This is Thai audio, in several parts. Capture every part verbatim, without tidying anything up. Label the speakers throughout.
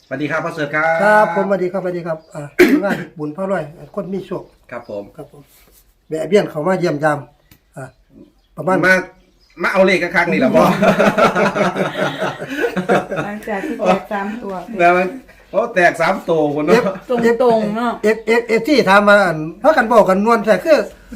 Speaker 1: สวัสดีครับพ่อเสือครับ
Speaker 2: ครับผมสวัสดีครับสวัสดีครับอ่างานบุญพระร้อยคนมีโชค
Speaker 1: ครับผม
Speaker 2: ครับผมแบะเบี้ยนเขามาเยี่ยมยามอ่าประมาณ
Speaker 1: มามาเอาเลขครั้งนี่แหละพ่อ
Speaker 3: หลังจากที่แตกสามตัว
Speaker 1: แล้วมันเขาแตกสามตัวคนเนาะ
Speaker 3: ตรงตรงๆเนาะ
Speaker 2: เอฟเอฟเอฟที่ถามมาอันเพราะกันบอกกันนวลแต่คือ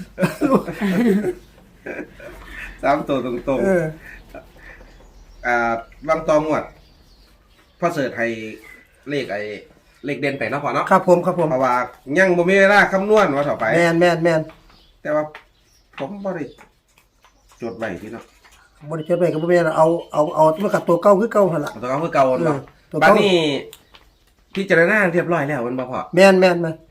Speaker 1: สามตัวตรง
Speaker 2: เออ
Speaker 1: ๆอ่าบางตองวดพ่อเสือไทยเลขไอ้เลขเด่นไปเนาะพ่อเนาะ
Speaker 2: ครับผมครับผม
Speaker 1: เพราะว่ายังบ่มีเวลาคำนวณว่าต่อไป
Speaker 2: แมนแมนแมน
Speaker 1: แต่ว่าผมบ่ได้จดไว้ที่เนาะ
Speaker 2: บริจาคไปกับบ่แม่นเอาเอาเอาเมื่อกับตัวเก่าคือเก่าหั่นล่ะ
Speaker 1: ตัวเก่าคือเก่าเนาะ
Speaker 2: เออตัว
Speaker 1: บัด
Speaker 2: เก่า
Speaker 1: นี้พิจารณาเรียบร้อยแล้วมันบ่พอ
Speaker 2: แมนแมนแมน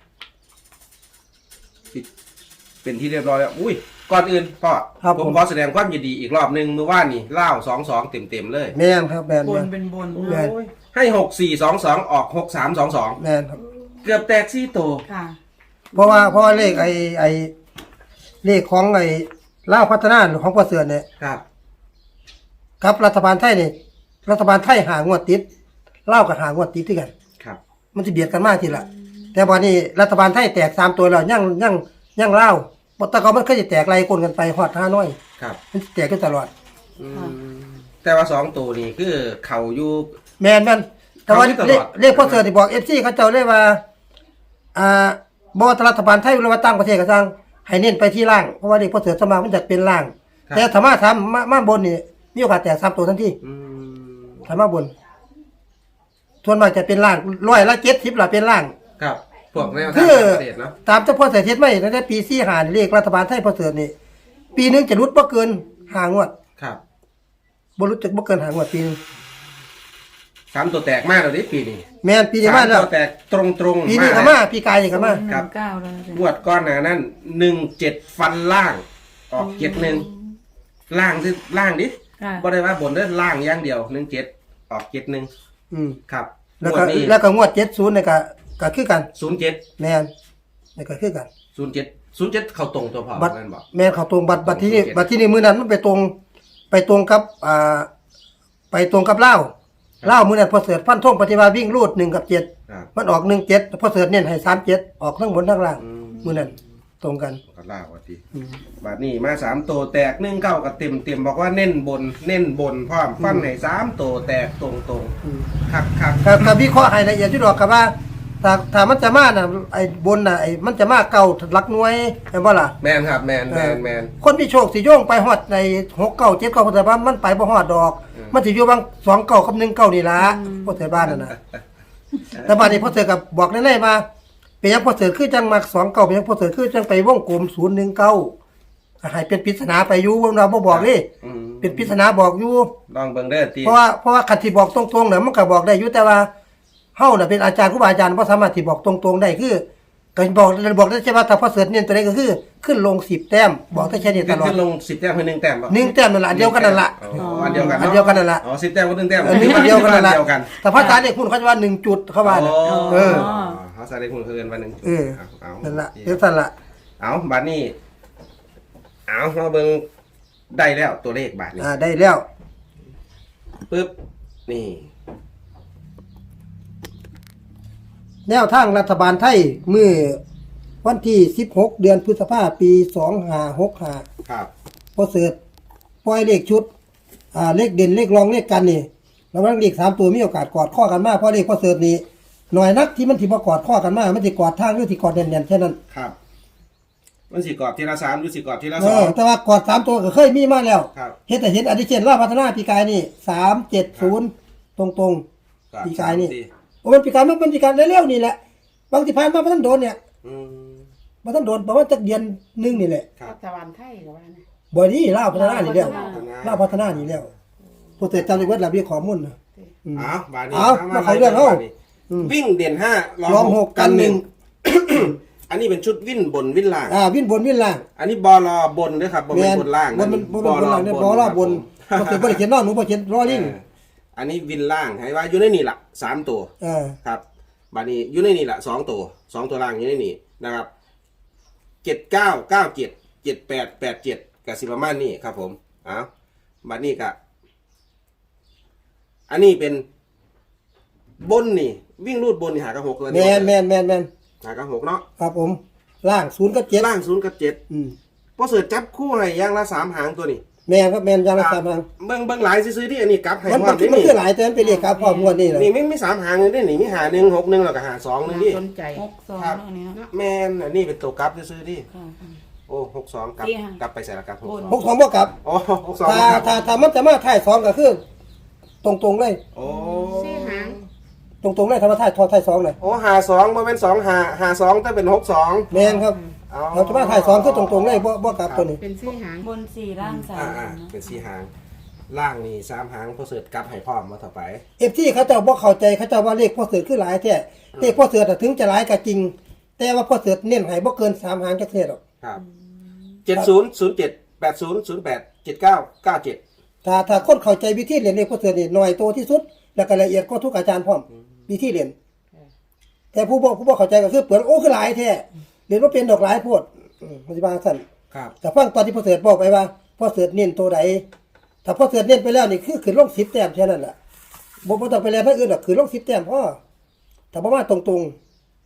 Speaker 1: เป็นที่เรียบร้อยแล้วอุ้ยก่อนอื่นพ่อ
Speaker 2: ครับ
Speaker 1: ผม
Speaker 2: ผม
Speaker 1: ขอแสดงความยินดีอีกรอบหนึงเมื่อวานนี่เล่าสองสองเต็มเต็มๆเลย
Speaker 2: แมนครับแมน
Speaker 3: บ
Speaker 2: แม
Speaker 3: น
Speaker 2: น
Speaker 3: เป็นบน
Speaker 2: แม่น
Speaker 3: เนาะ
Speaker 1: ให้หกสี่สองสองออกหกสามสองสอง
Speaker 2: แมนครับ
Speaker 1: เกือบแตกสี่ตัว
Speaker 3: ค่ะ
Speaker 2: เพราะว่าเพราะว่าเลขไอ้ไอ้เลขของไอ้ลาวพัฒนาของพ่อเสือเนี่ย
Speaker 1: ครับ
Speaker 2: กับรัฐบาลไทยนี่รัฐบาลไทยหางวดติดลาวกับหางวดติดที่กัน
Speaker 1: ครับ
Speaker 2: มันจะเบียดกันมากทีละแต่วันนี้รัฐบาลไทยแตกสามตัวแล้วยังยังยังเล่าวบทตะกอนมันเคยจะแตกไล่คนกันไปฮอดห้าน้อย
Speaker 1: ครับ
Speaker 2: มันแตกกันตลอด
Speaker 1: อืมแต่ว่าสองตัวนี่คือเขาอยู่
Speaker 2: แมนแมนแต่ว่า
Speaker 1: เขาที่ตลอด
Speaker 2: เลขเลขพ่อเสือที่บอกเอฟซีเขาเจ้าเลยว่าอ่าบอรัฐบาลไทยหรือว่าตั้งประเทศก็สร้างให้เน้นไปที่ล่างเพราะว่าเลขพ่อเสือสวนมากมันจะเป็นล่าง แต่ธรรมะทำมามาบนนี่มีโอกาสแตกสามตัวทันที
Speaker 1: อืม
Speaker 2: ธรรมะบนส่วนมากจะเป็นล่างร้อยละเจ็ดสิบละเป็นล่าง
Speaker 1: ครับพวกแนวทาง
Speaker 2: คือ
Speaker 1: ต่างประเทศเนาะ
Speaker 2: ตามเจ้าพ่อเสถียรไม่ตั้งแต่ปีสี่หาเลขรัฐบาลไทยพ่อเสถียรนี่ปีหนึงจะรุดบ่เกินหางวด
Speaker 1: ครับ
Speaker 2: บ่รุดจะบ่เกินหางวดปีหนึง
Speaker 1: สามตัวแตกมากเลยดิปีนี้
Speaker 2: แม่นปีนี้มา
Speaker 1: สาม
Speaker 2: แล้ว
Speaker 1: ตัวแตกตรงตรงๆ
Speaker 2: ปีนี้ก็
Speaker 1: เลย
Speaker 2: มาปีกายนี่ก็มา
Speaker 3: หนึ่งเก้าแล้วนะ
Speaker 1: งวดก้อนหนานั่นหนึ่งเจ็ดฟันล่าง ออกเจ็ดหนึ่งล่างที่ล่างดิ
Speaker 3: ค่ะ
Speaker 1: ก็ได้ว่าบนได้ล่างอย่างเดียวหนึ่งเจ็ดออกเจ็ดหนึ่ง
Speaker 2: อืม
Speaker 1: ครับ
Speaker 2: แล้ว
Speaker 1: ง
Speaker 2: ก็
Speaker 1: วดนี้
Speaker 2: แล้วก็งวดเจ็ดสิบนี่ก็ก็คือกัน
Speaker 1: ศูนย์เจ็ด
Speaker 2: แม่นนี่ก็คือกัน
Speaker 1: ศูนย์เจ็ดศูนย์เจ็ดเข้าตรงตัวพอ
Speaker 2: บัตร
Speaker 1: นั่นบอก
Speaker 2: แม่นเขาตรงบัตรบัตรที่นี่
Speaker 1: ศูนย์เจ็ด
Speaker 2: บัตรที่นี่มื้อนั้นมันไปตรง ไปตรงกับอ่าไปตรงกับลาวลาวมื้อนั้นพ่อเสถียรฟันธงปฏิบัติวิ่งรูดหนึ่งกับเจ็ด
Speaker 1: ครับ
Speaker 2: มันออกหนึ่งเจ็ดพ่อเสถียรเน้นให้สามเจ็ดออกทั้งบนทั้งล่าง
Speaker 1: อืม
Speaker 2: มื้อนั้นตรงกัน
Speaker 1: ก็ล่าว่าที
Speaker 2: อืม
Speaker 1: บาทนี้มาสามตัวแตกหนึ่งเก้ากับเต็มเต็มบอกว่าเน้นบน เน้นบนพร้อมฟันให้สามตัวแตกตรงตรง
Speaker 2: อืม
Speaker 1: ๆคักคัก
Speaker 2: ครับครับวิเคราะห์ให้ละเอียดที่ดอกครับว่าถ้าถ้ามันจะมาน่ะไอ้บนน่ะไอ้มันจะมาเก่าหลักหน่วยเห็นบ่ล่ะ
Speaker 1: แมนครับแมนแมนแมน
Speaker 2: คนที่โชคสิโยงไปฮอดในหกเก้าเจ็ดเก้าแต่ว่ามันไปบ่ฮอดดอก
Speaker 1: อืม
Speaker 2: มันสิอยู่บางสองเก้ากับหนึ่งเก้านี่ล่ะพ่อเสือบ้านนั่นน่ะแต่บัดนี้พ่อเสือก็บอกแน่ๆมาเป็นหยังพ่อเสือคือจังมักสองเก้าเป็นหยังพ่อเสือคือจังไปวงกลมศูนย์หนึ่งเก้าให้เป็นปริศนาไปอยู่เราบ่บอกนี่
Speaker 1: อืม
Speaker 2: เป็นปริศนาบอกอยู่
Speaker 1: ลองเบิ่งเด้อตี
Speaker 2: เพราะว่าเพราะว่าคันที่บอกตรงๆเนี่ยมันก็บอกได้อยู่แต่ว่าเฮาน่ะเป็นอาจารย์ครูบาอาจารย์บ่สามารถที่บอกตรงๆได้คือก็บอกบอกได้ใช่ว่าถ้าพอเสิร์ชเนี่ยตัวนี้ก็คือขึ้นลงสิบแต้มบอกได้แค่นี้ต
Speaker 1: ขึ้น
Speaker 2: ลอด
Speaker 1: ขึ้นลงสิบแต้มคือหนึ่งแต้มป่ะ
Speaker 2: หนึ่งแต้มนั่นล่ะอันเดียวกันนั่นล่ะ
Speaker 1: อ๋ออันเดียวกัน
Speaker 2: อันเดียวกันนั่นล่ะ
Speaker 1: อ๋อสิบแต้มก็หนึ่งแต้ม
Speaker 2: เออหนึ่งอันเดียวกันนั่นล่ะ
Speaker 1: เดียวกัน
Speaker 2: แต่ภาษาเนี่ยคุณเขาจะว่าหนึ่งจุดเข้ามาน่ะ เออ
Speaker 1: ภาษาเด็กคุณคือกันวันหนึ่ง
Speaker 2: เออ
Speaker 1: เอา
Speaker 2: นั่นล่ะ
Speaker 1: เอา
Speaker 2: เดี๋ยวสั่นล่ะ
Speaker 1: เอาบาทนี้เอามาเบิ่งได้แล้วตัวเลขบาทนี้
Speaker 2: อ่าได้แล้ว
Speaker 1: ปึ๊บนี่
Speaker 2: แนวทางรัฐบาลไทยเมื่อวันที่สิบหกเดือนพฤษภาคมปีสองห้าหกห้า
Speaker 1: ครับ
Speaker 2: พอเสิร์ชปล่อยเลขชุด อ่าเลขเด่นเลขรองเลขกันนี่แล้วมันเลขสามตัวมีโอกาสกอดข้อกันมากเพราะเลขพอเสิร์ชนี่หน่อยนักที่มันที่มากอดข้อกันมากมันจะกอดทางหรือที่กอดแน่นๆแค่นั้น
Speaker 1: ครับมันสิกรอบทีละสามหรือสิกรอบทีละ
Speaker 2: เอ
Speaker 1: สอ
Speaker 2: อง แต่ว่ากอดสามตัวก็เคยมีมาแล้ว
Speaker 1: ครับ
Speaker 2: เห็นแต่เห็นอดิเชนล่าพัฒนาปีกายนี่สามเจ็ดศูนย์ตรงตรง
Speaker 1: ครับ
Speaker 2: ๆปีกายนี่
Speaker 1: สามสี่
Speaker 2: โอ้มันปีกายมันเป็นปีกายเร็วๆนี่แหละบางที่ผ่านมาพระท่านโดนเนี่ย
Speaker 1: อืม
Speaker 2: พระท่านโดนประมาณจักเดือนหนึงนี่แหละ
Speaker 1: ครับ
Speaker 3: รัฐบาลไทยกับว่านะ
Speaker 2: บ่นี้ล่าพัฒนานี่แล้ว
Speaker 1: ลาวพัฒนา
Speaker 2: ล่าพัฒนานี่แล้วพอเสิร์ชจำได้เวทระเบียบข้อมูลนะอืม
Speaker 1: เอาบาทนี้
Speaker 2: เอามาขอเรื่องเอา
Speaker 1: บทนี้
Speaker 2: อืม
Speaker 1: วิ่งเด่นห้าร
Speaker 2: องหกกันหนึ่ง
Speaker 1: อันนี้เป็นชุดวิ่นบนวิ่นล่าง
Speaker 2: อ่าวิ่งบนวิ่งล่าง
Speaker 1: อันนี้บอลอบนด้วยครับบนเป็นบนล่าง
Speaker 2: บนมันบนบนล่างเนี่ยบอลล่างบน
Speaker 1: ครับ
Speaker 2: มันเป็นบริเขียนนอกหนูบริเขียนรอลิง
Speaker 1: เอออันนี้วินล่างให้ว่าอยู่ในนี่ละสามตัว
Speaker 2: เออ
Speaker 1: ครับบาทนี้อยู่ในนี่ละสองตัวสองตัวล่างอยู่ในนี่นะครับเจ็ดเก้าเก้าเจ็ดเจ็ดแปดแปดเจ็ดกับสิประมาณนี้ครับผมเอาบาทนี้กะอันนี้เป็นบนนี่วิ่งรูดบนนี่หากับหกเลย
Speaker 2: แมนแมนแมนแมน
Speaker 1: หากับหกเนาะ
Speaker 2: ครับผมล่างศูนย์กับเจ็ด
Speaker 1: ล่างศูนย์กับเจ็ด
Speaker 2: อืม
Speaker 1: พอเสิร์ชจับคู่ให้อย่างละสามหางตัวนี้
Speaker 2: แมนครับแมนยางละสามหาง
Speaker 1: เบิ่งเบิ่งหลายซื้อๆที่อันนี้กลับให้
Speaker 2: มัน
Speaker 1: พร้อ
Speaker 2: มัน
Speaker 1: มนี่
Speaker 2: มัน
Speaker 1: นี่
Speaker 2: คือหลายแต่มันเป็นเลขครับพร้อมงวดนี่แหละ
Speaker 1: นี่ไม่มีสามหางเลยนี่นี่มีหาหนึ่งหกหนึ่งแล้วก็หาสองหนึ่งดิ
Speaker 3: สนใจ
Speaker 4: หกสอง
Speaker 1: ครับ
Speaker 4: เนาะอันนี้เนาะ
Speaker 1: แมนอันนี้เป็นตัวกลับซื้อๆดิ
Speaker 4: ค่ะ
Speaker 1: โอ้หกสองกลับ
Speaker 4: สี่หาง
Speaker 1: กลับไปใส่ละกลับหกสอง
Speaker 2: หกสองบ่กลับ
Speaker 1: โอ้หกสอง
Speaker 2: ถ้า
Speaker 1: ครับ
Speaker 2: ถ้าถ้ามันจะมาถ่ายสองก็คือตรงๆเลย
Speaker 1: โอ้
Speaker 3: สี่หาง
Speaker 2: ตรงๆเลยถ้ามาถ่ายทอถ่ายสองเลย
Speaker 1: โอ้หาสองมันเป็นสองหาหาสองแต่เป็นหกสอง
Speaker 2: แมนครับเราจะมาถ่ายสองคือตรงๆเลยบ่บ่กลับตัวนี้
Speaker 3: เป็นสี่หาง
Speaker 4: บนสี่ล่างสา
Speaker 1: อ่าม อ่า
Speaker 4: เนาะ
Speaker 1: เป็นสี่หางล่างนี่สามหางพอเสิร์ชกลับให้พร้อมมาต่อไป
Speaker 2: เอฟที่เขาเจ้าบ่เข้าใจเขาเจ้าว่าเลขพ่อเสือคือหลายแท้เลขพ่อเสือน่ะถึงจะหลายก็จริง แต่ว่าพ่อเสือเน้นให้บ่เกินสามหางจักเทื่อหรอก
Speaker 1: ครับเจ็ดศูนย์ศูนย์เจ็ดแปดศูนย์ศูนย์แปดเจ็ดเก้าเก้าเจ็ด
Speaker 2: ถ้าถ้าคนเข้าใจวิธีเรียนเลขพ่อเสือนี่น้อยโตที่สุด แล้วก็ละเอียดกว่าทุกอาจารย์พร้อมวิธีเรียนแต่ผู้บ่ผู้บ่เข้าใจก็คือเปลือนโอ้คือหลายแท้เรียนบ่เป็นดอกหลายโพดอืมมันสิว่าซั่น
Speaker 1: ครับ
Speaker 2: แต่ฟังตอนที่พ่อเสือบอกไปว่าพ่อเสือเน้นตัวใดถ้าพ่อเสือเน้นไปแล้วนี่คือขึ้นลงสิบแต้มแค่นั้นแหละบ่บ่ต้องไปเรียนทางอื่นหรอกขึ้นลงสิบแต้มพอถ้าบ่มาตรงๆ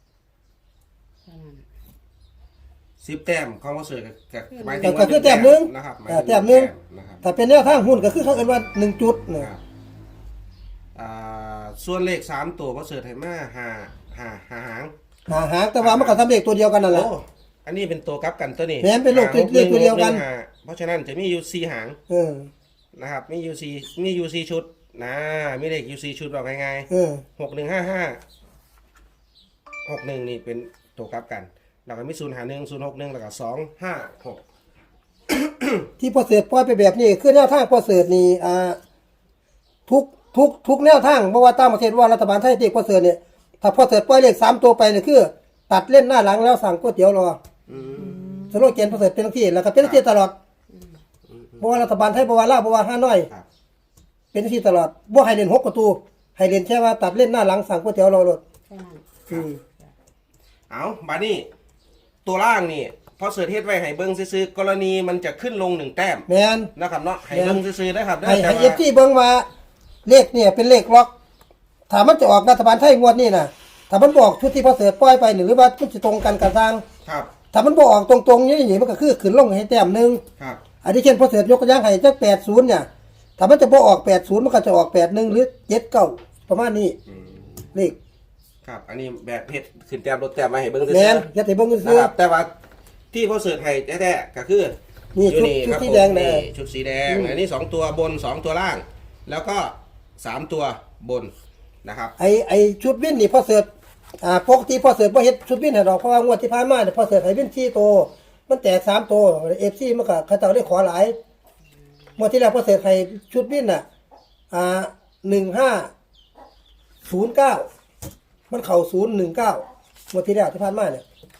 Speaker 1: สิบแต้มของพอเสิร์ชกับหมายถึ
Speaker 2: ก็
Speaker 1: ง
Speaker 2: ก็คือแต้มหนึง
Speaker 1: นะครับหาย
Speaker 2: อ่า
Speaker 1: ถึง
Speaker 2: แต้มหนึง
Speaker 1: นะครับ
Speaker 2: ถ้าเป็นแนวทางหุ้นก็คือเขาเอิ้นว่าหนึ่งจุดนะ
Speaker 1: ครับอ่าส่วนเลขสามตัวพอเสิร์ชให้มาหาหาหาหาง
Speaker 2: หาหางแต่ว่ามันก็ทำเลขตัวเดียวกันนั่นแหละ
Speaker 1: โอ้อันนี้เป็นตัวกลับกันตัวนี้
Speaker 2: แม่นเป็นเลข
Speaker 1: หาห
Speaker 2: เลขตัวเดียวกัน
Speaker 1: หงหาเพราะฉะนั้นจะมีอยู่สี่หาง
Speaker 2: เออ
Speaker 1: นะครับมีอยู่สี่มีอยู่สี่ชุดนะมีเลขอยู่สี่ชุดบอกง่าย
Speaker 2: เออ
Speaker 1: ๆหกหนึ่งห้าห้าหกหนึ่งนี่เป็นตัวกลับกันแล้วก็มีศูนย์หาหนึ่งศูนย์หกหนึ่งแล้วก็สองห้าหก
Speaker 2: ที่พอเสือปล่อยไปแบบนี้คือแนวทางพอเสือนี่อ่าทุกทุกทุกแนวทางเพราะว่าต่างประเทศว่ารัฐบาลไทยเด็กพอเสือเนี่ยถ้าพอเสือปล่อยเลขสามตัวไปเนี่ยคือ ตัดเล่นหน้าหลังแล้วสั่งก๋วยเตี๋ยวรอ
Speaker 1: อืม
Speaker 2: สโลแกนพอเสือเป็นที่แล้วก็เป็นที่ตลอดเพราะว่ารัฐบาลไทยเพราะว่าลาวเพราะว่าห้าน้อย
Speaker 1: ครับ
Speaker 2: เป็นที่ตลอดบ่ให้เล่นหกประตูให้เล่นแค่ว่าตัดเล่นหน้าหลังสั่งก๋วยเตี๋ยวรอรถ
Speaker 3: แค่นั้น
Speaker 2: อืม
Speaker 1: เอาบานี่ตัวล่างนี่พอเสิร์ชเฮ็ดไว้ให้เบิ้งซื้อๆกรณีมันจะขึ้นลงหนึ่งแต้ม
Speaker 2: แม่น
Speaker 1: นะครับเนาะให้เบิ้งซื้อๆนะครับ
Speaker 2: ให้
Speaker 1: แต่
Speaker 2: ให้
Speaker 1: ว่า
Speaker 2: เอฟซีเบิ่งว่าเลขเนี่ยเป็นเลขล็อกถ้ามันจะออกรัฐบาลไทยงวดนี้น่ะถ้ามันบอกชุดที่พอเสือปล่อยไปหรือว่ามันจะตรงกันกับทาง
Speaker 1: ครับ
Speaker 2: ถ้ามันบอกออกตรงๆนี่มันก็คือขึ้นลงให้แต้มหนึง
Speaker 1: ครับ
Speaker 2: อันนี้เช่นพอเสือยกตัวอย่างให้จักแปดสิบเนี่ยถ้ามันจะบ่ออกแปดสิบมันก็จะออกแปดสิบหรือเจ็ดสิบเก้าประมาณนี้
Speaker 1: อืม
Speaker 2: เลข
Speaker 1: ครับ อันนี้แบบเฮ็ดขึ้นแต้มลดแต้มมาให้เบิ้งซื้อ
Speaker 2: แม่น
Speaker 1: ๆ
Speaker 2: อย่าสิเบิ่ง
Speaker 1: นะ
Speaker 2: ซื่อ
Speaker 1: ครับแต่ว่าที่พอเสิร์ชให้แท้ๆก็คือ
Speaker 2: นี่
Speaker 1: อยู่
Speaker 2: ชุดชุด
Speaker 1: ครับ
Speaker 2: สี
Speaker 1: ผม
Speaker 2: แดงแดง
Speaker 1: ชุดสีแดงอันนี้สองตัวบนสองตัวล่าง แล้วก็สามตัวบนนะครับ
Speaker 2: ไอ้ไอ้ชุดวินนี่พอเสืออ่าปกติพอเสือบ่เฮ็ดชุดวินให้ดอกเพราะว่างวดที่ผ่านมาเนี่ยพอเสือให้วินสี่ตัวมันแตกสามตัว เอฟ ซี มันก็เขาเจ้าได้ขอหลายงวดที่แล้วพอเสือให้ชุดวินน่ะอ่าหนึ่งห้าศูนย์เก้ามันเข้าศูนย์หนึ่งเก้างวดที่แล้วที่ผ่านมาเนี่ย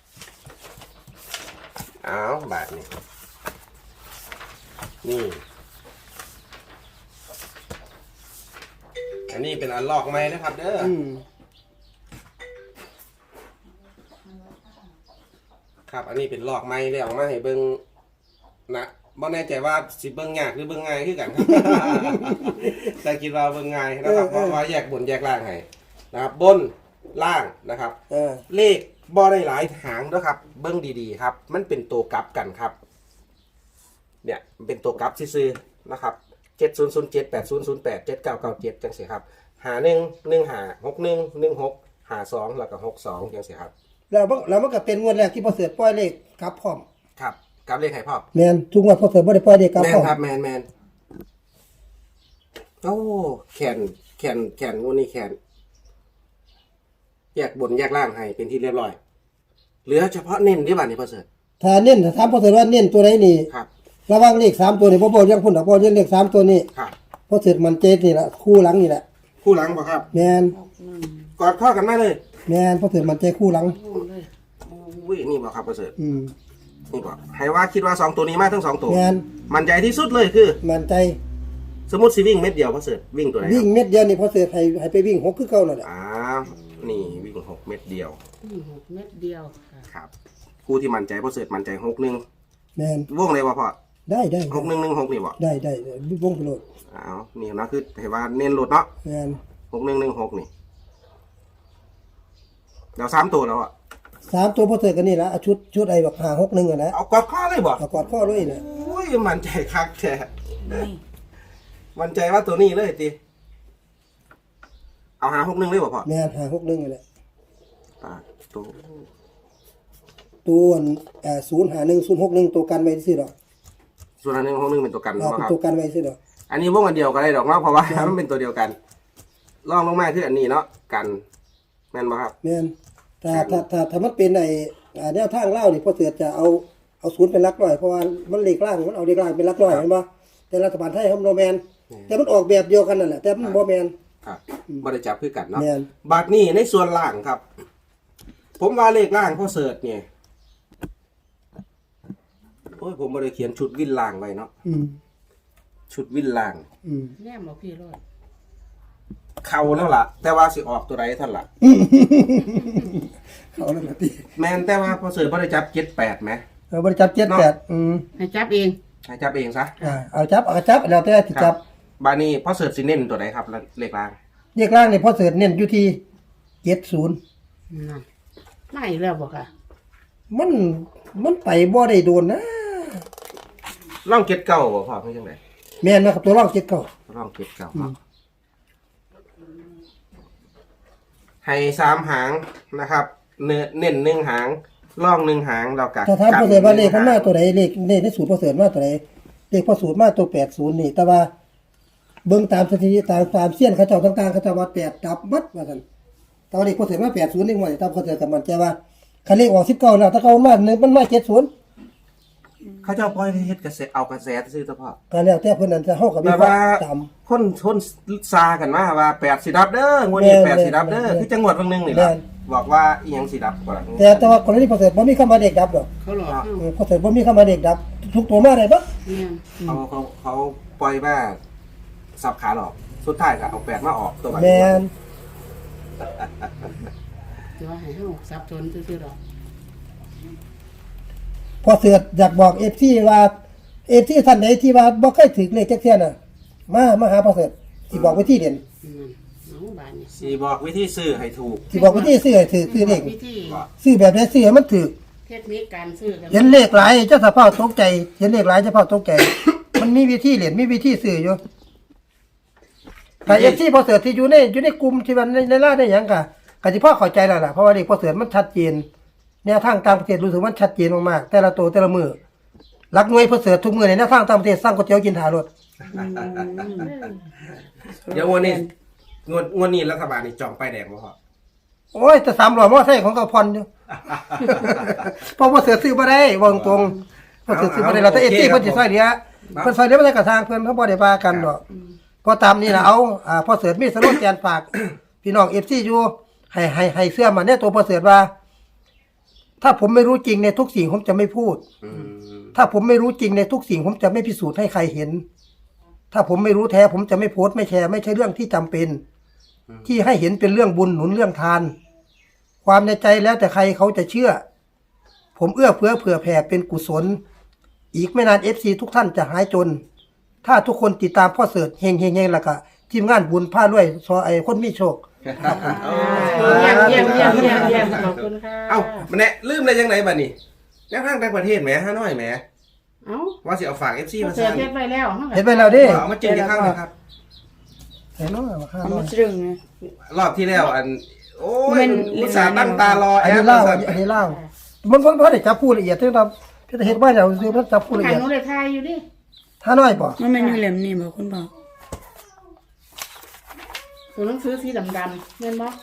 Speaker 1: เอาบาทนี่นี่ อันนี้เป็นอันลอกไม้นะครับ เด้ออ
Speaker 2: อืม
Speaker 1: ครับ อันนี้เป็นลอกไม้แล้วเอามาให้เบิ้งนะบ่แน่ใจว่าสิเบิ้งยากหรือเบิ้งง่ายคือกัน ครับ แต่คิดว่าเบิ้งง่ายนะครับเพราะว่าแยกบนแยกล่างให้นะครับ บนล่างนะครับ
Speaker 2: เออ
Speaker 1: เลขบ่ได้หลายหางนะครับ เบิ้งดีๆครับ มันเป็นตัวกลับกันครับ เนี่ยมันเป็นตัวกลับซื่อๆนะครับเจ็ดศูนย์ศูนย์เจ็ดแปดศูนย์ศูนย์แปดเจ็ดเก้าเก้าเจ็ดจังสิครับหาหนึ่งหนึ่งหาหกหนึ่งหนึ่งหกหาสองแล้วก็หกสองจังสิครับ
Speaker 2: แล้วมันแล้วมันก็เป็นงวดแรกที่พอเสือปล่อยเลขกลับพร้อม
Speaker 1: ครับกลับเลขไห้พ่อ
Speaker 2: แมนทุกงวดพอเสือบ่ได้ปล่อยเลขกลับ
Speaker 1: แม
Speaker 2: พร้
Speaker 1: น
Speaker 2: อม
Speaker 1: ครับแมนแมนโอ้แขนแขนแขนงูนี่แขนแยกบนแยกล่างให้เป็นที่เรียบร้อยเหลือเฉพาะเน้นที่บ้านนี่พ่อเสริฐ
Speaker 2: ถ้าเน้นถ้าถามพอเสือว่าเน้นตัวไหนนี่
Speaker 1: ครับ
Speaker 2: ระหว่างเลขสามตัวนี่บ่บอกยังพุ่นดอกบ่เน้นเลขสามตัวนี่
Speaker 1: ครับ
Speaker 2: พอเสือมันเจ็ดนี่ล่ะคู่หลังนี่แหละ
Speaker 1: คู่หลังบ่ครับ
Speaker 2: แมน
Speaker 4: หกหนึ่ง
Speaker 1: กอดข้อกันมาเลย
Speaker 2: แมนพอเสือมันใจคู่หลัง
Speaker 4: พูดเลย
Speaker 1: อุ้ยนี่บ่ครับพ่อเสริฐ
Speaker 2: อืม
Speaker 1: นี่บ่ให้ว่าคิดว่าสองตัวนี้มาทั้งสองตัว
Speaker 2: แมน
Speaker 1: มันใจที่สุดเลยคือ
Speaker 2: มันใจ
Speaker 1: สมมติสิวิ่งเม็ดเดียวพ่อเสริฐวิ่งตัวไหนค
Speaker 2: วิ่
Speaker 1: รั
Speaker 2: ง
Speaker 1: บ
Speaker 2: เม็ดเดียวนี่พอเสือให้ให้ไปวิ่งหกคือเก่านั่นแหละ
Speaker 1: อ้าวนี่วิ่งหกเม็ดเดียว
Speaker 3: นี่หกเม็ดเดียวค่ะ
Speaker 1: ครับคู่ที่มั่นใจพ่อเสริฐมั่นใจหกหนึ่ง
Speaker 2: แมน
Speaker 1: วงเลยว่าพ่อ
Speaker 2: ได้ได้
Speaker 1: หกหนึ่งหนึ่งหกนี่บ่
Speaker 2: ได้ได้ได้วงไปโลด
Speaker 1: อ้าวนี่นะคือให้ว่าเน้นโหลดเนาะ
Speaker 2: แมน
Speaker 1: หกหนึ่งหนึ่งหกนี่เดี๋ยวสามตัวแล้วอ่ะ
Speaker 2: สามตัวพอเสร็จกันนี่ละเอาชุดชุดไอ้แบบหาหกหนึ่งอ่ะนะ
Speaker 1: เอากอดข้อเลยบ่
Speaker 2: เอากอดข้อด้วยนะ
Speaker 1: โอ้ยมันใจคักแท้
Speaker 4: นี่
Speaker 1: มันใจว่าตัวนี้เลยติเอาหาหกหนึ่งเลยบ่พ่อ
Speaker 2: แม่นหาหกหนึ่งอ่ะแหละ
Speaker 1: ปากตัว
Speaker 2: ตัวเอ่อศูนย์หาหนึ่งศูนย์หกหนึ่งตัวกันไว้ที่ดอก
Speaker 1: ส่วนอันหนึงหกหนึ่งเป็นตัวกัน
Speaker 2: เอา
Speaker 1: บ่
Speaker 2: เป็น
Speaker 1: ครับ
Speaker 2: ตัวกันไว้ที่ดอก
Speaker 1: อันนี้วงอันเดียวกันได้ดอกเนาะเพราะว่า มันเป็นตัวเดียวกันลองลงมาคืออันนี้เนาะกันแม่นบ่ครับ
Speaker 2: แม่นถ้าถ้าถ้าถ้ามันเป็นไอ้อ่าแนวทางเล่านี่พอเสือจะเอาเอาศูนย์เป็นหลักร้อยเพราะว่ามันเลขล่างมันเอาเลขล่างเป็นหลักร้อยเห็นบ่แต่รัฐบาลไทยเขาโนแมนแต่มันออกแบบเดียวกันนั่นแหละแต่มันบ่แมน
Speaker 1: ครับบ่ได้จับคือกันเนาะ
Speaker 2: แม่น
Speaker 1: บัดนี้ในส่วนล่างครับ ผมว่าเลขล่างพ่อเสิร์ชเนี่ยโอ้ยผมบ่ได้เขียนชุดวินล่างไว้เนาะ
Speaker 2: อืม
Speaker 1: ชุดวินล่าง
Speaker 2: อืม
Speaker 3: แนมบอกพี่รอด
Speaker 1: เข้าแล้วล่ะ แต่ว่าสิออกตัวใดเท่านนล่ะ
Speaker 2: เขาแล้วมาตี
Speaker 1: แม่นแต่ว่าพ่อเสิร์ชบ่ได้จับเจ็ดแปดไหม
Speaker 2: เอาบริจับเจ็ดแปดอืม
Speaker 3: ให้จับเอง
Speaker 1: ให้จับเองซะ
Speaker 2: อ่าเอาจับเอาจับแล้วแต่ที่จับ
Speaker 1: บาดนี้พ่อเสิร์ชสิเน้นตัวใดครับเลขล่าง
Speaker 2: เลขล่างนี่พอเสือเน้นอยู่ที่เจ็ดศูนย์
Speaker 3: นั่นไม่แล้วบอกค่ะ
Speaker 2: มันมันไปบ่ได้โดนนะ
Speaker 1: ล่องเก็ดเก้าบ่พ่อคือจังได
Speaker 2: แม่นนะครับตัวร่องเจ็ดเก้า
Speaker 1: ล่องเก็ดเก้าครับให้สามหางนะครับเน้นเน้นหนึ่งหางล่องหนึ่งหางเรากะ
Speaker 2: ถ้าถามพอเสือว่าเลขมันมา
Speaker 1: กั
Speaker 2: ตัวใดเลขเลขในสูตรพอเสือมาตัวใดเลขพอสูตรมาตัวแปดศูนย์นี่ แต่ว่าเบิ่งตามสถิติตามตามเสี้ยนเขาเจ้าต่างๆเขาเจ้าว่าแปดดับมัดว่าซั่นแต่ว่าเลขพอเสือมาแปดศูนย์นี่ว่าตามพอเสือกับมันใจว่าคันเลขออกสิบเก้าแล้วถ้าเขามาหนึ่งมันมาเจ็ดศูนย์
Speaker 1: เขาเจ้าปล่อยให้เฮ็ดกระแสเอากระแสซื้อเฉพาะ
Speaker 2: ก็แล้วแต่เพิ่นนั่นจะเฮากับมี
Speaker 1: แบบ
Speaker 2: ควา
Speaker 1: ว่าม
Speaker 2: จำ
Speaker 1: คนคนซากันมาว่าแปดสิดับเด้องวดนี้
Speaker 2: แม่น
Speaker 1: แปดสิดับเด้อ
Speaker 2: แม่น
Speaker 1: คือจังหวัดบางนึงนี่ล่ะ
Speaker 2: แม่น
Speaker 1: บอกว่าอีหยังสิดับกว่า
Speaker 2: แต่แต่ว่ากรณีพอเสร็จบ่มีคำว่าเด็กดับดอก
Speaker 3: เขาหลอกเข้า
Speaker 2: เออพอเสร็จบ่มีคำว่าเด็กดับ ทุกตัวมาได้บ่
Speaker 3: เนี่ย
Speaker 1: เขาเขาเขาปล่อยว่าสับขาหลอกสุดท้ายก็เอาแปดมาออกตัวบัด
Speaker 2: แม่น
Speaker 3: จะว่าให้เฮาสับสนซื่อๆดอก
Speaker 2: พอเสร็จอยากบอก เอฟ ซี ว่า เอฟ ซี ท่านใดที่ว่าบ่เคยถึกเลขจักเที่ยน่ะมามาหาพอเสร็จสิบอกวิธีเด่น
Speaker 3: อืมเอาบานนี่
Speaker 1: สิบอกวิธีซื้อให้ถูก
Speaker 2: สิบอกวิธีซื้อให้ถือซื้อเลข
Speaker 3: วิธี
Speaker 2: ซื้อแบบใดซื้อให้มันถือ
Speaker 3: เทคนิคการซื้อกัน
Speaker 2: เห็นเลขหลายเจ้าสภาพตกใจเห็นเลขหลายเจ้าสภาพตกใจ มันมีวิธีเล่นมีวิธีซื้ออยู่ถ้า เอฟ ซี พอเสร็จที่อยู่ในอยู่ในกลุ่มที่ว่าในในล่าได้หยังก็ก็สิพอเข้าใจแล้วล่ะเพราะว่าเลขพอเสร็จมันชัดเจนแนวทางต่างประเทศรู้สึกมันชัดเจนมากๆแต่ละตัวแต่ละมือหลักหน่วยพอเสร็จทุกมือในแนวทางต่างประเทศสร้างก๋วยเตี๋ยวกินถารถ
Speaker 1: เดี๋ยวงวดนี้งวดงวดนี้รัฐบาลนี่จองป้ายแดงบ่พอ
Speaker 2: โอ้ยแต่สามร้อยมอไซค์ของเขาผ่อนอยู่ เพราะว่าเสือซื้อบ่ได้วางตรงเพราะเสือซื้อบ่ได้เราแต่เอฟซีเพิ่นสิซอยเหลือเพิ่นซอยเหลือบ่ได้กระทางเพิ่นเขาบ่ได้ว่ากันดอกพอตามนี่ล่ะเอาอ่าพอเสือมีสโลแกนฝาก พี่น้อง เอฟ ซี อยู่ให้ให้ให้เสื้อมาเนี่ยตัวพอเสือว่า ถ้าผมไม่รู้จริงในทุกสิ่งผมจะไม่พูด
Speaker 1: อืม
Speaker 2: ถ้าผมไม่รู้จริงในทุกสิ่งผมจะไม่พิสูจน์ให้ใครเห็น ถ้าผมไม่รู้แท้ผมจะไม่โพสต์ไม่แชร์ไม่ใช่เรื่องที่จำเป็น ที่ให้เห็นเป็นเรื่องบุญหนุนเรื่องทาน ความในใจแล้วแต่ใครเขาจะเชื่อ ผมเอื้อเฟื้อเผื่อแผ่เป็นกุศล อีกไม่นานเอฟซีทุกท่านจะหายจน ถ้าทุกคนติดตามพ่อเสิร์ชเฮงเฮงเฮงแล้วก็ทีมงานบุญผ้าด้วยซอไอคนมีโชค
Speaker 3: เยี่ยมเยี่ยมเยี่ยมเยี่ยมเยี่ยมขอบคุณค่ะ
Speaker 1: เอ้ามันแน่ลืมได้ยังไงบัดนี้แนวทางต่างประเทศแหมฮานอยแหม
Speaker 3: เอ้า
Speaker 1: ว่าสิเอาฝาก เอฟ ซี
Speaker 3: เขา
Speaker 1: มา
Speaker 3: เสีย
Speaker 1: สั่น
Speaker 3: เฮ็ดไว้แล้วเฮาก็
Speaker 2: เห็นไปแล้วเดิ
Speaker 1: เอามาจืดอีกครั้งหนึงครับ
Speaker 2: เห็นเนาะว่าข้า
Speaker 4: เอา
Speaker 2: น้อ
Speaker 4: มาย ตรึงนะ
Speaker 1: รอบที่แล้วอัน โอ้ย
Speaker 4: มัน
Speaker 1: อุตส่าห์ตั้งตารอ
Speaker 2: อัน
Speaker 1: แอ
Speaker 2: นี้
Speaker 1: ป
Speaker 2: เล่า
Speaker 1: สั่น
Speaker 2: อันนี้เล่ามันมันบ่ได้จับผู้ละเอียดที่เราพี่จะเห็นว่าเราซื้อมันจับผู้ละ
Speaker 3: ทา
Speaker 2: เอี
Speaker 3: ง
Speaker 2: ยด
Speaker 3: นู้นเลยทายอยู่ดิ
Speaker 2: ถ้าน้อยป่ะ
Speaker 4: มันไม่อยู่เหลี่ยมนี่บอกคุณบอก
Speaker 3: ตัวหนังสือสีดำๆแม่นบ่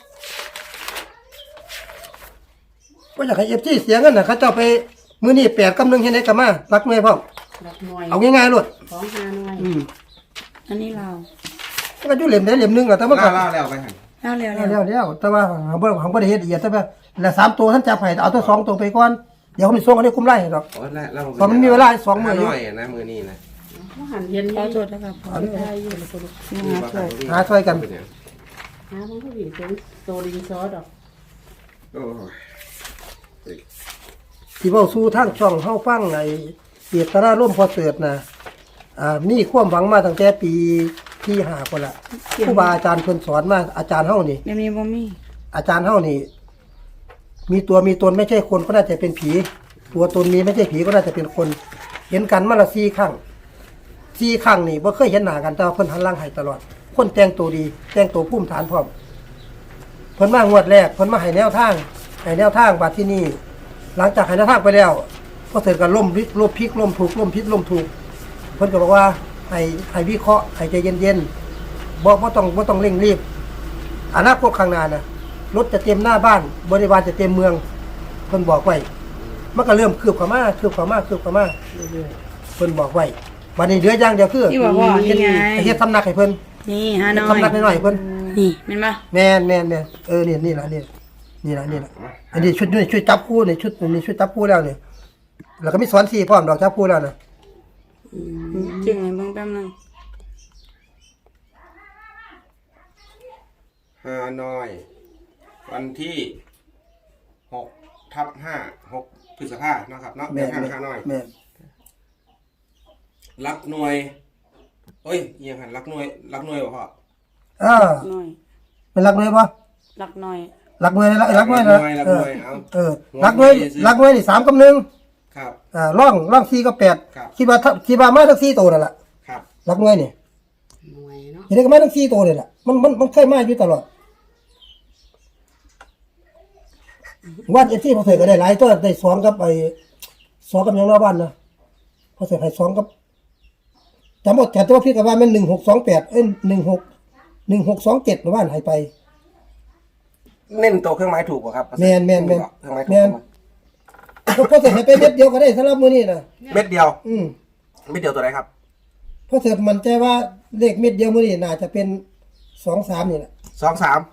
Speaker 2: ว่าอยากให้เอฟซีเสียเงินน่ะเขาเจ้าไปมื้อนี้แปดกำนึงเฮ็ดได้ก็มารักหน่วยพร้อม
Speaker 3: ดอกหน่วย
Speaker 2: เอาง่ายๆโลด
Speaker 3: ของหาหน่วย
Speaker 2: อืม
Speaker 4: อันนี้เรา
Speaker 2: มันก็อยู่เหลี่ยมได้เหลี่ยมหนึงล่ะแต่มันก็
Speaker 1: ล่าล่าแล้วไปหัน
Speaker 4: เล่าเร็ว
Speaker 2: แล้
Speaker 4: เร็
Speaker 2: ว
Speaker 4: ว
Speaker 2: แล้วแต่ว่าของบ่ของบ่ได้เฮ็ดละเอียดแต่ว่าแล้วสามตัวท่านจับให้เอาตัวสองตัวไปก่อนเดี๋ยวเขามีส่งอันนี้คุ้มไล่ให้ดอก
Speaker 1: โอ้ยแล้วแล้ว
Speaker 2: เพราะมันมีเวลาสองมื้ออยู่
Speaker 1: หน่อยนะมือนี้นะ
Speaker 3: เขาหันเย็น
Speaker 4: ขอ
Speaker 3: นี่
Speaker 4: โทษนะครับพอ
Speaker 3: ทายอยู่แล้วก็ลูก
Speaker 4: นี่หาช่วย
Speaker 2: หาช่วยกัน
Speaker 1: เป็นหยัง
Speaker 3: หามันก็วิ่งเป็นโตดินซอดอก
Speaker 1: โอ้ย
Speaker 2: ที่เว้าสู่ทางช่องเฮาฟังไอ้เจตนาร่วมพอเสิร์ชน่ะอ่ามีความหวังมาตั้งแต่ปีที่ห้าพุ่นล่ะครูบาอาจารย์เพิ่นสอนมาอาจารย์เฮานี่
Speaker 4: เดี๋ยวนี้บ่มี
Speaker 2: อาจารย์เฮานี่มีตัวมีตนไม่ใช่คนก็น่าจะเป็นผี ตัวตนมีไม่ใช่ผีก็น่าจะเป็นคน เห็นกันมาละสี่ครั้งสี่ครั้งนี่บ่เคยเห็นหน้ากันแต่ว่าเพิ่นหันหลังให้ตลอด คนแต่งตัวดี แต่งตัวภูมิฐานพร้อมเพิ่นมางวดแรกเพิ่นมาให้แนวทางให้แนวทางบัดที่นี่หลังจากให้แนวทางไปแล้วก็เสร็จกันล่มริล่มพลิกล่มถูกล่มพิษล่มถูกเพิ่นก็บอกว่าให้ให้วิเคราะห์ให้ใจเย็นๆบ่บ่ต้องบ่ต้องเร่งรีบอนาคตข้างหน้าน่ะรถจะเต็มหน้าบ้านบริวารจะเต็มเมืองเพิ่นบอกไว้มันก็เริ่มคืบเข้ามาคืบเข้ามาคืบเข้ามาเรื่อยๆเพิ่นบอกไว้วันนี้เหลืออย่างเดียวคือ
Speaker 4: ที่บอกว่านี่ไง
Speaker 2: เฮ็ดสำนักให้เพิ่น
Speaker 4: นี่ฮานอย
Speaker 2: สำนักหน่อยๆเพิ่น
Speaker 4: นี่แม่นปะ
Speaker 2: แม่นแม่นแม่นเออนี่นี่ล่ะนี่นี่ล่ะนี่ล่ะอันนี้ชุดนี่ชุดจับคู่นี่ชุดนี่ชุดจับคู่แล้วนี่แล้วก็มีสอนสีพร้อมดอกจับคู่แล้วน่ะ
Speaker 4: จึงไงเบิ่งแป๊บนึง
Speaker 1: ฮานอย วันที่หกทับห้าหกพฤษภาเนาะครับเนาะแน
Speaker 2: แม่
Speaker 1: วน ทางฮานอย
Speaker 2: แม่น
Speaker 1: รักหน่วยเอ้ยเอียังหันรักหน่วยรักหน่วยบ่พ่อ
Speaker 2: เออ
Speaker 4: หน่อย
Speaker 2: เป็นรักหน่วยบ่
Speaker 4: รักหน่อย
Speaker 2: รักหน่วยรักรักหน่วยนะ
Speaker 1: รัก
Speaker 2: เอ
Speaker 1: ห
Speaker 2: อ
Speaker 1: น่วยเอา
Speaker 2: เออรักหน่วยรักหน่วยนี่สามกับหนึ่ง
Speaker 1: ครับ
Speaker 2: อ่าร่องร่องสี่กับแปด
Speaker 1: ครับ
Speaker 2: คิดว่าถ้าคิดว่ามาทั้งสี่ตัวนั่นล่ะ
Speaker 1: ครับ
Speaker 2: รักหน่วยนี่
Speaker 3: หน่วยเนาะ
Speaker 2: เห็นได้ก็มาทั้งสี่ตัวนี่ล่ะมันมันมันเคยมาอยู่ตลอดวันเอฟซีพอเสร็จก็ได้หลายตัวได้สองกับไอ้สองกับหยังรอบบ้านนะพอเสร็จให้สองกับจำหมดแต่ตัวพี่กับว่ามันหนึ่งหกสองแปดเอ้ยหนึ่งหกหนึ่งหกสองเจ็ดรอบบ้านให้ไป
Speaker 1: เน้นตัวเครื่องไม้ถูกป่ะครับ
Speaker 2: แม่นแม่นแม่น
Speaker 1: เครื่องไม้ถู
Speaker 2: แม่
Speaker 1: ก
Speaker 2: น พอเสร็จให้ไปเม็ดเดียวก็ได้สำหรับมื้อนี้นะ
Speaker 1: เม็ดเดียว
Speaker 2: อืม
Speaker 1: เม็ดเดียวตัวไหนครับ
Speaker 2: พอเสร็จมันใจว่าเลขเม็ดเดียวมื้อนี้น่าจะเป็นสองสามนี่แหละ
Speaker 1: สองสาม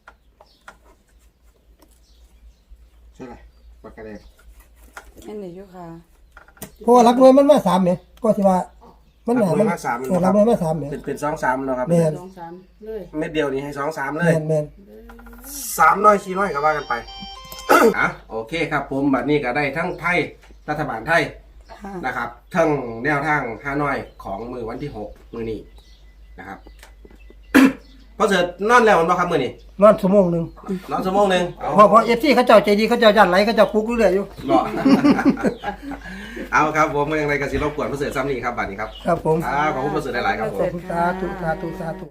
Speaker 1: ใช่ไหมปากกาแดง
Speaker 4: แม่นเดี๋ยวอยู่ค่ะ
Speaker 2: เพราะว่ารักน้อยมันมาสามเนี่ยก็สิว่ามัน
Speaker 1: รัก
Speaker 2: หา
Speaker 1: หน่ว
Speaker 2: มัน
Speaker 1: ยมาสาม
Speaker 2: เออรักน้อยมาสามเนี่ย
Speaker 1: เป็นเป็นสองสามแล้วครับ
Speaker 2: แม่น
Speaker 3: สองสามเลย
Speaker 1: เม็ดเดียวนี้ให้สองสามเล
Speaker 2: แม่
Speaker 1: ย
Speaker 2: นแม่น
Speaker 1: สามน้อยสี่น้อยก็ว่ากันไป อ่ะโอเคครับผมบัดนี้ก็ได้ทั้งไทยรัฐบาลไทย
Speaker 4: ค่ะ
Speaker 1: นะครับทั้งแนวทางฮานอยของมือวันที่หกมือนี้นะครับ พอเสร็จนอนแล้วมันบ่ครับมือนี้
Speaker 2: นอนชั่วโมงหนึง
Speaker 1: นอนชั่วโมงหนึ่งเอา
Speaker 2: เพราะเพราะ เอฟ ซี เขาเจ้าใจดีเขาเจ้าย่านไหลเขาเจ้าปลุกเรื่อยๆอยู่
Speaker 1: รอ เอาครับผมยังไงก็สิรบกวนพอเสร็จซ้ำนี้ครับบัดนี้ครับ
Speaker 2: ครับผม
Speaker 1: อ่าขอบคุณพอเสร็จหลายๆครับผม
Speaker 2: สาธุสาธุสาธุ